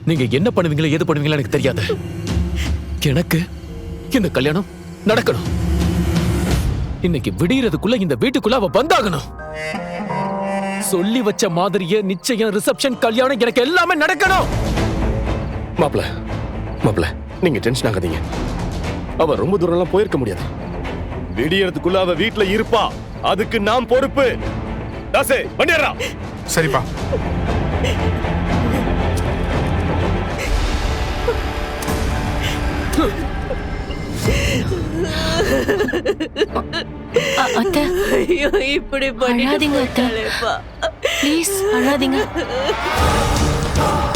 நீங்க என்ன பண்ணுவீங்களோ எது பண்ணுவீங்களோ எனக்கு தெரியாது. எனக்கு இந்த கல்யாணம் நடக்கணும். இன்னைக்கு விடியறதுக்குள்ள இந்த வீட்டுக்குள்ள அவ வந்தாகணும். சொல்லி வச்ச மாதிரியே நிச்சயம், ரிசப்ஷன், கல்யாணம் எனக்கு எல்லாமே நடக்கணும். மாப்ள நீங்க டென்ஷன் ஆகாதீங்க. அவ ரொம்ப தூரம் எல்லாம் போயிருக்க முடியாது. விடியறதுக்குள்ள அவ வீட்டுல இருப்பா. அதுக்கு நாம் பொறுப்பு. தாசே வண்டியறா. சரிப்பா. அத்தை, ஐயோ இப்படி அழாதீங்க அத்தை. பண்ணிட்டு ப்ளீஸ் அழாதீங்க.